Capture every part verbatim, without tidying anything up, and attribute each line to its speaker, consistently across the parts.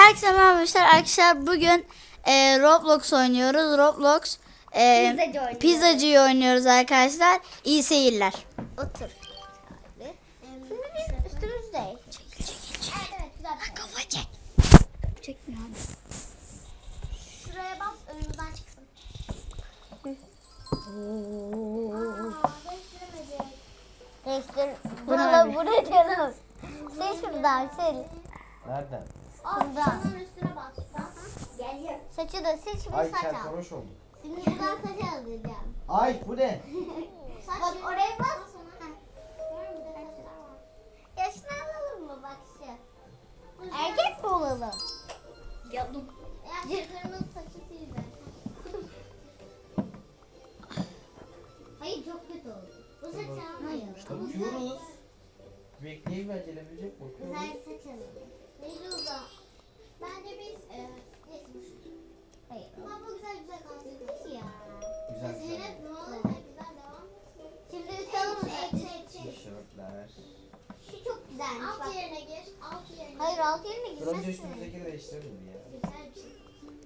Speaker 1: Herkese merhaba arkadaşlar. Arkadaşlar bugün e, Roblox oynuyoruz. Roblox e,
Speaker 2: Pizzacı oynuyoruz.
Speaker 1: pizzacıyı oynuyoruz arkadaşlar. İyi seyirler.
Speaker 2: Otur. Şimdi biz üstümüzdeyiz.
Speaker 1: Çekil çekil çekil.
Speaker 2: Evet, evet, güzel.
Speaker 1: Kafa çek. Çekmiyor abi.
Speaker 2: Şuraya bas, önümüzden çıksın. Değiştir. Buraları buraya diyorum. Sil şuradan, sil.
Speaker 3: Nereden?
Speaker 2: Şuradan. Üstüne bas. Geliyor. Saçı da sil, şimdi
Speaker 3: Ay
Speaker 2: saç al.
Speaker 3: çarpanoş oldu.
Speaker 2: Şimdi buradan saç alacağım.
Speaker 3: Ay bu ne?
Speaker 2: Bak oraya bas. Yaşını alalım mı bak şu. Erkek mi olalım?
Speaker 1: Yaptım.
Speaker 2: Erkeklerin saçı sildi. Hayır çok kötü oldu. Bu saç almayalım.
Speaker 3: Bakıyoruz. Bekleyip acelebilecek
Speaker 2: Güzel
Speaker 3: bakıyoruz.
Speaker 2: saç alalım. Neydi o da? Bence biz e, neyse bu şu. Hayır. Ama bu güzel güzel kalsın. Nasıl ya?
Speaker 3: Güzel güzel.
Speaker 2: Zeynep ne olur hep güzel devam etsin. Şimdi üst alalım.
Speaker 3: Tişörtler.
Speaker 2: Şu çok güzelmiş. Alt
Speaker 4: Alt
Speaker 2: yerine
Speaker 4: yerine gir, alt yerine.
Speaker 2: Hayır alt yerine
Speaker 3: Dur önce
Speaker 2: girmezsin.
Speaker 3: üstümüzdeki değiştirelim ya.
Speaker 4: Güzel bir şey.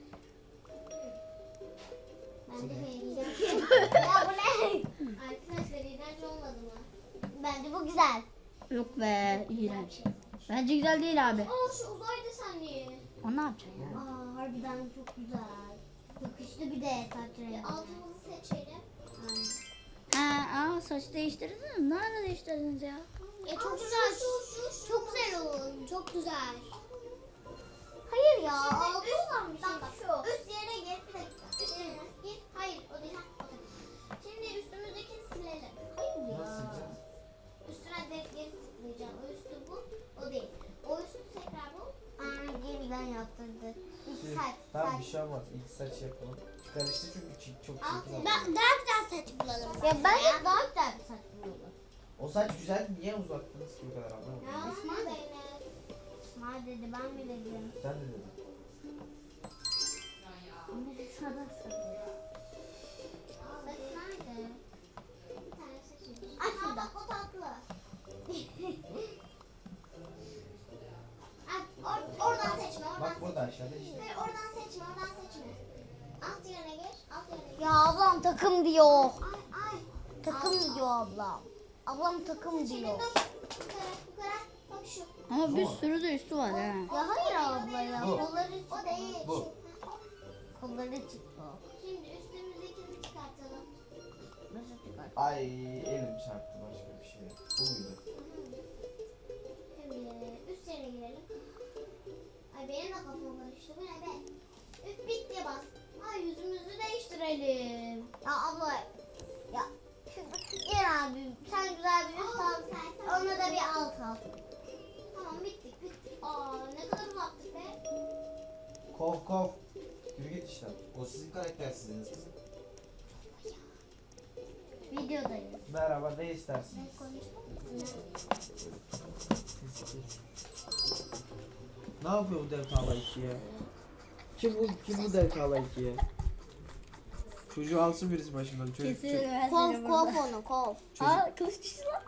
Speaker 2: Bence beğeneceğim. Ya bu ne?
Speaker 4: Arkadaşlar iğrenç olmadı mı?
Speaker 2: Bence bu güzel.
Speaker 1: Yok be, iğrenç. Bence güzel değil abi.
Speaker 4: Aa şu uzaydı saniye.
Speaker 1: O ne yapacak ya?
Speaker 2: Aa harbiden çok güzel. Yakıştı bir de saç rengi.
Speaker 4: Altımızı seçelim.
Speaker 1: Ha, aa, saç değiştirdiniz mi? Nerede değiştirdiniz ya?
Speaker 4: Ya çok güzel. Çok güzel oldu. Çok güzel.
Speaker 2: Hayır ya.
Speaker 4: Şimdi
Speaker 2: altı
Speaker 4: üst,
Speaker 2: varmış.
Speaker 4: bak bak şu. Üst yerine gir. Bir dakika. Üst yerine gir. Hayır o değil. Ha, o değil. Şimdi üstümüzdekini silelim.
Speaker 2: Hayır ya.
Speaker 3: Nasıl sileceğiz?
Speaker 4: Üstüne direkt geri tıklayacağım. O üstü bu. O değil. O üstü tekrar bu.
Speaker 2: Aa yeniden yaptırdı. İlk
Speaker 3: Şimdi,
Speaker 2: saç.
Speaker 3: tamam bir
Speaker 2: saç.
Speaker 3: şey olmaz. İlk saç yapalım. Karıştı çünkü çi- çok
Speaker 4: Alt
Speaker 3: çirkin oldu.
Speaker 4: Ben daha güzel saç bulalım.
Speaker 2: Ya ben de daha güzel bir saç buluyorum.
Speaker 3: O saç güzel, niye uzattınız ki bu kadar anlamadım.
Speaker 4: Ya
Speaker 2: İsmail.
Speaker 4: Zeynep.
Speaker 2: İsmail dedi ben mi dedim.
Speaker 3: Sen de dedin.
Speaker 2: Ama bir sada sada.
Speaker 4: Saç nerede? Bir tane seçeyim.
Speaker 2: Ay,
Speaker 4: Aa,
Speaker 2: şurada.
Speaker 4: bak o tatlı. Ay, or- oradan seçme, oradan
Speaker 3: Bak
Speaker 4: seçme.
Speaker 3: burada aşağıda işte.
Speaker 4: Hayır, oradan seçme, oradan seçme. Alt yerine gir, alt yerine gir.
Speaker 2: Ya ablam takım diyor.
Speaker 4: Ay, ay.
Speaker 2: Takım diyor ablam. Ablam takım
Speaker 4: Şimdi
Speaker 2: diyor.
Speaker 4: dur. Bu kadar, bu kadar. Bak şu.
Speaker 1: Ama bir sürü de üstü var ha.
Speaker 2: Ya hayır abla ya.
Speaker 3: Bu.
Speaker 2: Kolları,
Speaker 4: O değil.
Speaker 3: Bu.
Speaker 4: Şu.
Speaker 2: kolları çıktı.
Speaker 4: Şimdi üstümüzdekini çıkartalım.
Speaker 2: Nasıl çıkar?
Speaker 3: Ay elim çarptı başka bir şey. Bu muydu?
Speaker 4: Şimdi üst yerine girelim. Ay benim de kafam karıştı. Bu ne be? Üst bitti bas. Ay yüzümüzü değiştirelim.
Speaker 2: Ya abla ya gel abi sen güzel bir üst al. Ona da bir alt al.
Speaker 4: Tamam bittik bittik. Aa ne kadar uzattık be.
Speaker 3: Kov kov. Yürü git işte. O sizin karaktersizliğiniz kızım.
Speaker 2: Videodayız.
Speaker 3: Merhaba ne istersiniz? Ne yapıyor bu dev tavla ikiye? Kim bu kim bu dev tavla ikiye? Çocuğu alsın birisi başımdan. Çocuk, çocuk.
Speaker 2: Kov kov onu kov.
Speaker 1: Aa, kılıç düştü lan.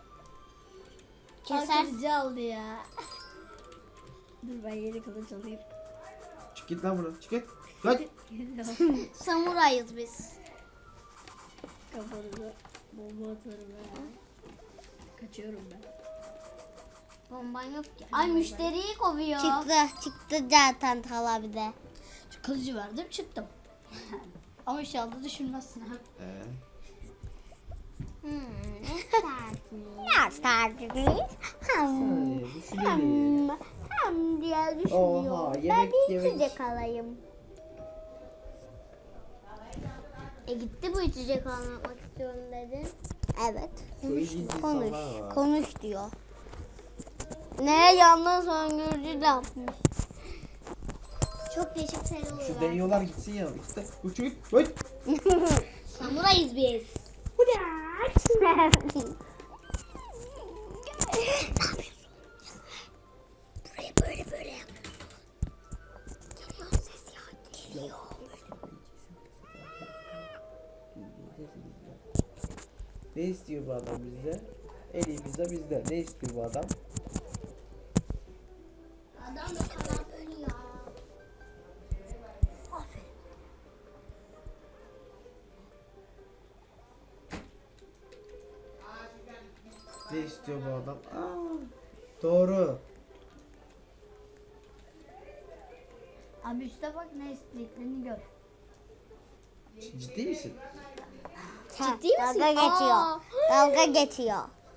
Speaker 2: Keser.
Speaker 1: Kılıcı aldı ya. Dur ben yeni kılıç alayım.
Speaker 3: Çık git lan buradan. Çık git. Kaç.
Speaker 2: Samurayız biz.
Speaker 1: Kafanıza bomba atarım ben. Kaçıyorum ben.
Speaker 2: Bomban yok ki.
Speaker 1: Ay müşteriyi kovuyor.
Speaker 2: Çıktı çıktı zaten Tala bir de.
Speaker 1: Şu kılıcı verdim çıktım. Ama inşallah düşünmezsin ha.
Speaker 3: Ee,
Speaker 2: Hmm, ne isterdiniz?
Speaker 3: saniye düşünelim.
Speaker 2: Hem diye
Speaker 3: Oha,
Speaker 2: düşünüyorum. Ben
Speaker 3: yemek,
Speaker 2: bir
Speaker 3: yemek.
Speaker 2: içecek alayım. E gitti bu içecek almak istiyorum dedin. Evet.
Speaker 3: Şu ilginç
Speaker 2: Konuş.
Speaker 3: insanlar var.
Speaker 2: Konuş diyor. Ne yandan söngürücü yapmış.
Speaker 4: Çok değişik şeyler oluyor.
Speaker 3: Şu deniyorlar gitsin ya. İşte bu çocuk. Oy.
Speaker 2: Samurayız biz. ne yapıyorsun? Buraya böyle böyle yapıyorsun. Geliyor ses ya. Geliyor.
Speaker 3: Ne istiyor bu adam bizde? En iyi pizza bizde. Ne istiyor bu adam?
Speaker 4: Adam da kalan ölüyor.
Speaker 3: istiyor bu adam. Aa, doğru.
Speaker 1: Abi üstte bak ne istediklerini gör.
Speaker 3: Ciddi misin?
Speaker 2: Ciddi misin?
Speaker 4: Dalga geçiyor.
Speaker 2: Aa.
Speaker 4: Dalga geçiyor.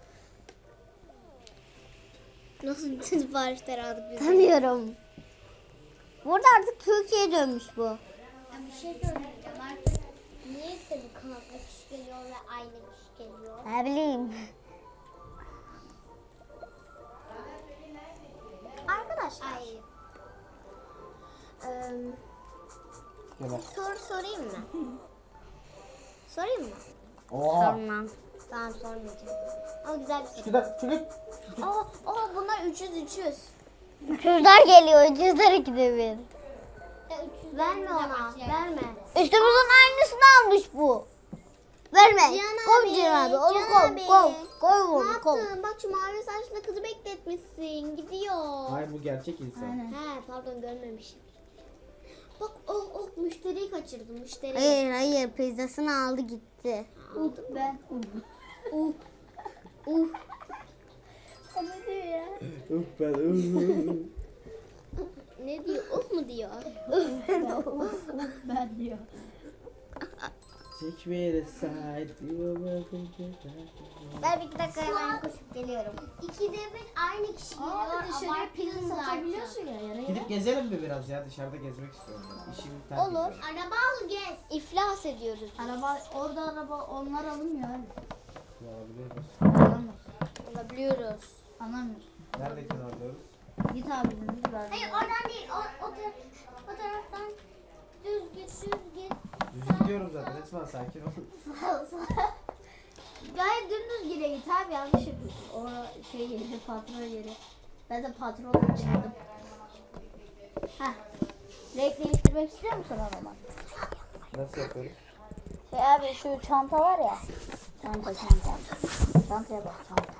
Speaker 2: Nasıl bütün siparişler aldık biz?
Speaker 4: Tanıyorum. Burada artık Türkiye'ye dönmüş bu.
Speaker 2: Ya bir şey söyleyeceğim artık. Niye de bu kanatlı kişi geliyor ve aynı kişi geliyor?
Speaker 4: Ne bileyim.
Speaker 2: Arkadaşlar. Ay. Eee,
Speaker 3: Gel bak.
Speaker 2: bir soru sorayım mı? sorayım mı?
Speaker 3: Oha.
Speaker 4: Sormam.
Speaker 2: Tamam sormayacağım. Ama güzel bir soru.
Speaker 3: Şurada şurada.
Speaker 2: Aa, aa bunlar üç yüz üç yüz.
Speaker 4: Üçüzler geliyor. Üçüzler ikide bir.
Speaker 2: Ya üç yüz verme ona. Verme.
Speaker 4: Üstümüzün aynısını almış bu. Verme.
Speaker 2: Cihan
Speaker 4: Koy
Speaker 2: abi,
Speaker 4: Cihan abi. Onu
Speaker 2: Cihan
Speaker 4: koy.
Speaker 2: abi.
Speaker 4: Koy. Koy
Speaker 2: Ne
Speaker 4: onu koy.
Speaker 2: yaptın? Bak şu mavi saçlı kızı bekletmişsin. Gidiyor.
Speaker 3: Hayır bu gerçek insan.
Speaker 1: Aynen.
Speaker 2: He pardon görmemişim. Bak oh oh müşteriyi kaçırdım müşteriyi.
Speaker 4: Hayır hayır. Pizzasını aldı gitti.
Speaker 1: Uh, ben.
Speaker 2: Uh uh.
Speaker 1: Ne diyor ya?
Speaker 3: Uf ben uf.
Speaker 2: Ne diyor? Uh mu diyor?
Speaker 1: Ben diyor.
Speaker 3: Take me aside.
Speaker 2: Ben bir iki dakika hemen koşup geliyorum. İkide bir aynı kişi geliyor.
Speaker 1: Aa dışarıya
Speaker 2: abarttın
Speaker 1: pizza
Speaker 2: zaten.
Speaker 1: satabiliyorsun ya. Yere
Speaker 3: Gidip gezelim mi biraz ya? Dışarıda gezmek istiyorum ben. İşimi terk
Speaker 2: Olur.
Speaker 3: ediyorum.
Speaker 2: Araba al gez. İflas ediyoruz.
Speaker 1: Araba orada araba onlar alınmıyor abi.
Speaker 3: Alabiliyoruz.
Speaker 1: Alamıyor.
Speaker 2: Alabiliyoruz.
Speaker 1: Anlamıyor.
Speaker 3: Neredekini alıyoruz?
Speaker 1: Git abi biz ver.
Speaker 2: Hayır oradan değil. O, o, taraf, o taraftan düz git düz git.
Speaker 3: Düz gidiyorum zaten. Esma sakin ol.
Speaker 1: Gayet dümdüz yere git abi yanlış yapıyorsun. O şey yeri patron yeri. Ben de patronla çıktım. Heh. Renk değiştirmek istiyor musun araban?
Speaker 3: Nasıl yapıyoruz?
Speaker 1: Şey abi şu çanta var ya. Çanta çanta. Çantaya bak çanta.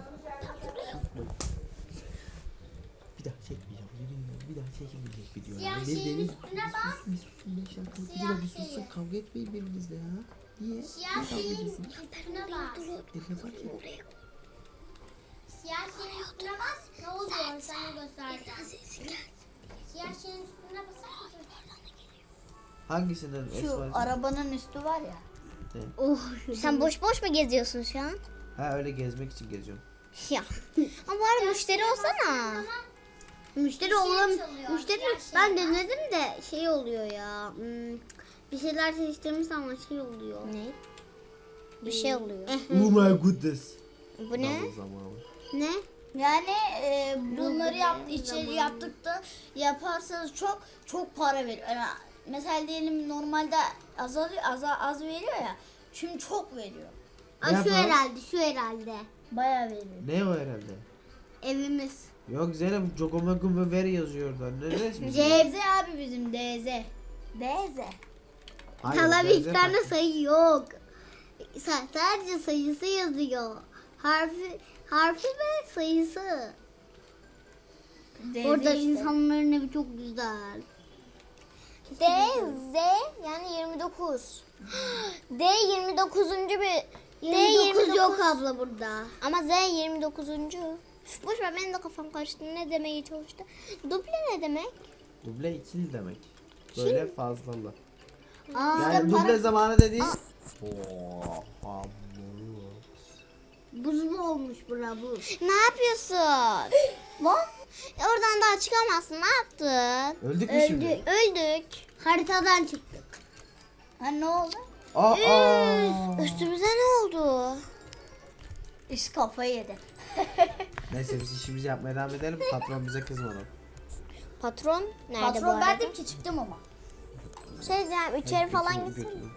Speaker 3: Bir daha çekmeyeceğim. Yemin ederim bir daha çekilmeyecek video.
Speaker 2: Siyah şeyin üstüne bas.
Speaker 3: Bir susun beş dakika. Bir
Speaker 2: Siyah
Speaker 3: daha bir susun.
Speaker 2: şeyi.
Speaker 3: Kavga etmeyin birbirinizle ya. Niye?
Speaker 2: Siyah
Speaker 3: Niye kavga
Speaker 2: şeyin
Speaker 3: ediyorsun?
Speaker 2: üstüne bas.
Speaker 3: Ne fark ediyor?
Speaker 2: Siyah şeyin üstüne bas. Ne oluyor? Sana göstereceğim. Siyah şeyin üstüne basar mısın?
Speaker 3: Hangisinden
Speaker 1: Şu
Speaker 3: Esma'cığım?
Speaker 1: arabanın üstü var ya.
Speaker 4: Sen boş boş mu geziyorsun şu an?
Speaker 3: Ha öyle gezmek için geziyorum.
Speaker 4: Ya. Ama bari müşteri olsana. Müşteri
Speaker 2: Bir şey
Speaker 4: olam.
Speaker 2: çalıyor,
Speaker 4: Müşteri
Speaker 2: siyah şey
Speaker 4: ben
Speaker 2: var.
Speaker 4: denedim de şey oluyor ya. hmm, Bir şeyler seçtirmiş ama şey oluyor. Ne? Bir şey oluyor.
Speaker 3: Oh my goodness.
Speaker 4: Bu ne?
Speaker 3: Double zamanı.
Speaker 4: Ne?
Speaker 1: Yani e, bunları yap, içeri yaptık da yaparsanız çok çok para veriyor. Yani mesela diyelim normalde azalıyor, az, az veriyor ya. Şimdi çok veriyor.
Speaker 4: Aa,
Speaker 3: Ne
Speaker 4: şu
Speaker 3: yapalım?
Speaker 4: herhalde, şu herhalde.
Speaker 1: Bayağı veriyor.
Speaker 3: Ne o herhalde?
Speaker 4: Evimiz.
Speaker 3: Yok Zeynep Jogomegume ver yazıyor orada. Ne resmi?
Speaker 4: C-
Speaker 1: D Z abi bizim D Z. D Z.
Speaker 3: Hayır,
Speaker 4: Talep
Speaker 3: benzer
Speaker 4: iki tane
Speaker 3: farklı.
Speaker 4: sayı yok. Sa- Sadece sayısı yazıyor. Harfi, harfi ve sayısı.
Speaker 1: D Z
Speaker 4: Orada
Speaker 1: işte.
Speaker 4: insanların evi çok güzel.
Speaker 2: D, Z yani yirmi dokuz. D yirmi dokuzuncu bir D
Speaker 4: yirmi dokuz
Speaker 2: yirmi
Speaker 4: yok
Speaker 2: dokuz.
Speaker 4: abla burada.
Speaker 2: Ama Z yirmi dokuzuncu. Üf, boş ver benim de kafam karıştı. Ne demeye çalıştı? Duble ne demek?
Speaker 3: Duble ikili demek. Böyle fazlalı.
Speaker 4: Aa,
Speaker 3: Yani duble zamanı dediğin. Oha.
Speaker 4: buz mu olmuş bura buz?
Speaker 2: Ne yapıyorsun?
Speaker 4: Lan
Speaker 2: Oradan daha çıkamazsın. Ne yaptın?
Speaker 3: Öldük mü şimdi?
Speaker 2: Öldük.
Speaker 4: haritadan çıktık.
Speaker 1: Ha ne oldu?
Speaker 3: Aa.
Speaker 2: Üstümüze ne oldu?
Speaker 1: İş kafayı yedi.
Speaker 3: Neyse biz işimizi yapmaya devam edelim. Patron bize kızmadı.
Speaker 2: Patron nerede bu
Speaker 1: Patron
Speaker 2: arada?
Speaker 1: bendim ki çıktım ama.
Speaker 2: Şey diyeceğim, içeri falan
Speaker 3: Götürün,
Speaker 2: gitsin.
Speaker 3: götürün.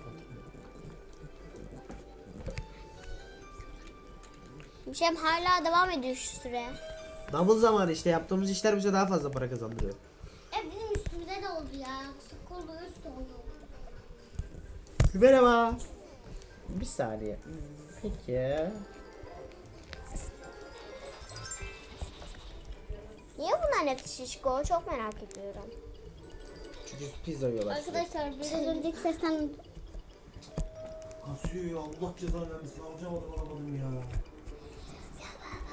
Speaker 2: Bir şey hala devam ediyor şu süre.
Speaker 3: Double zamanı işte yaptığımız işler bize daha fazla para kazandırıyor.
Speaker 2: E bizim üstümüze de oldu ya. Sıkıldı üst oldu.
Speaker 3: Merhaba. Bir saniye. Peki.
Speaker 2: Niye bunların hepsi şişko? Çok merak ediyorum.
Speaker 3: Çünkü pizza yiyorlar.
Speaker 2: Arkadaşlar biraz önceki sesten
Speaker 3: Kasıyor ya Allah cezanı vermesin. Alacağım adam alamadım ya.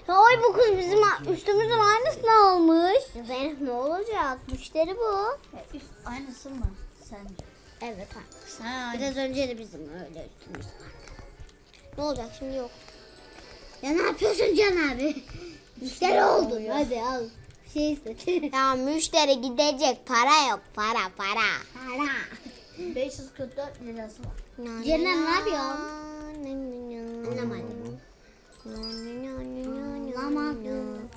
Speaker 2: Ay bu kız bizim üstümüzün aynısını almış. Zeynep ne olacak? Müşteri bu.
Speaker 1: E, üst, aynısı mı sence?
Speaker 2: Evet.
Speaker 1: Ha,
Speaker 2: Biraz önce de bizim öyle üstümüz vardı. Ne olacak şimdi yok. Ya ne yapıyorsun Can abi? Müşteri oldun. Hadi al. Bir şey istet. Ya müşteri gidecek. Para yok. Para para. Para.
Speaker 1: beş yüz kırk dört lirası var.
Speaker 2: Ceren ne yapıyorsun? Anlamadım. Anlamadım.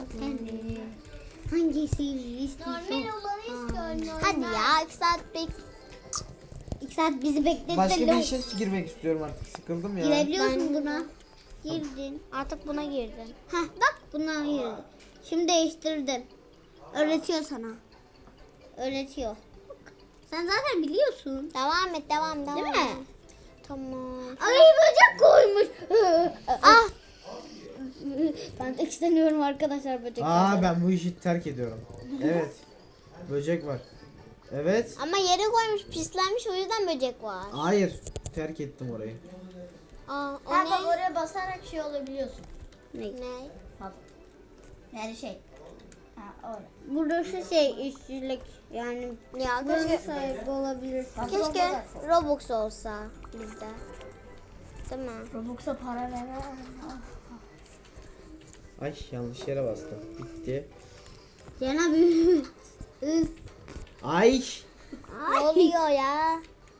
Speaker 2: Hangisi istiyorsun?
Speaker 4: Normal olanı istiyorum. Normal.
Speaker 2: Hadi ya iki saat bek... İki saat bizi bekletti.
Speaker 3: Başka bir işe girmek istiyorum artık. Sıkıldım ya.
Speaker 2: Girebiliyorsun buna. Girdin. Artık buna girdin. Heh bak buna girdin. Şimdi değiştirdim. Öğretiyor sana. Öğretiyor. Bak, sen zaten biliyorsun. Devam et devam devam. Değil mi? Tamam. Ay böcek koymuş. ah. Ben de istemiyorum arkadaşlar böcek.
Speaker 3: Aa ben bu işi terk ediyorum. Evet. Böcek var. Evet.
Speaker 2: Ama yere koymuş pislenmiş o yüzden böcek var.
Speaker 3: Hayır. Terk ettim orayı.
Speaker 2: Aa, o
Speaker 1: Ha
Speaker 2: ne?
Speaker 1: bak oraya basarak şey olabiliyorsun.
Speaker 2: Ne?
Speaker 1: Bak. Yani şey. Ha orada.
Speaker 2: Burası şey işçilik yani ya keşke sahibi olabilir.
Speaker 1: Bak,
Speaker 2: Keşke
Speaker 1: Roblox.
Speaker 2: Robux olsa bizde. Değil mi?
Speaker 1: Robux'a para ver.
Speaker 3: Ay yanlış yere bastım. Bitti.
Speaker 2: Cana bir
Speaker 3: Ay.
Speaker 2: ne oluyor ya?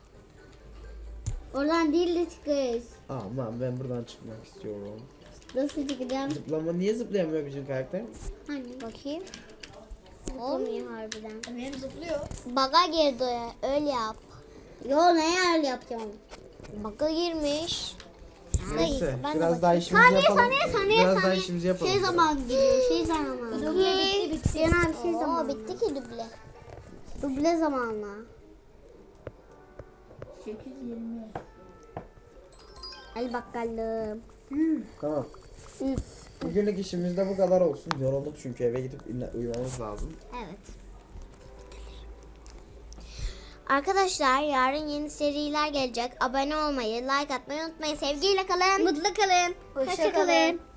Speaker 2: Oradan değil de çıkış.
Speaker 3: Aman ben buradan çıkmak istiyorum.
Speaker 2: Nasıl çıkacağım?
Speaker 3: Zıplama niye zıplayamıyor bizim karakter?
Speaker 2: Hani bakayım. Olmuyor harbiden.
Speaker 1: Benim zıplıyor.
Speaker 2: Baga girdi o, öyle yap. Yo ne öyle yapacağım? Baga girmiş.
Speaker 3: Neyse
Speaker 2: ben de
Speaker 3: biraz daha
Speaker 2: bakayım.
Speaker 3: işimizi
Speaker 2: Saniye,
Speaker 3: yapalım.
Speaker 2: saniye, saniye,
Speaker 3: Biraz daha
Speaker 2: saniye.
Speaker 3: işimizi yapalım.
Speaker 2: Şey zaman gidiyor, şey zamanı.
Speaker 1: Duble bitti, bitti.
Speaker 2: Cana bir şey zamanı. bitti ki duble. Duble zamanla.
Speaker 1: sekiz yirmi.
Speaker 2: Hadi bakalım.
Speaker 3: Tamam. Bugünlük işimiz de bu kadar olsun. Yorulduk çünkü eve gidip uyumamız lazım.
Speaker 2: Evet. Arkadaşlar yarın yeni seriler gelecek. Abone olmayı, like atmayı unutmayın. Sevgiyle kalın. Mutlu kalın.
Speaker 1: Hoşça
Speaker 2: Hoşça
Speaker 1: kalın.
Speaker 2: kalın.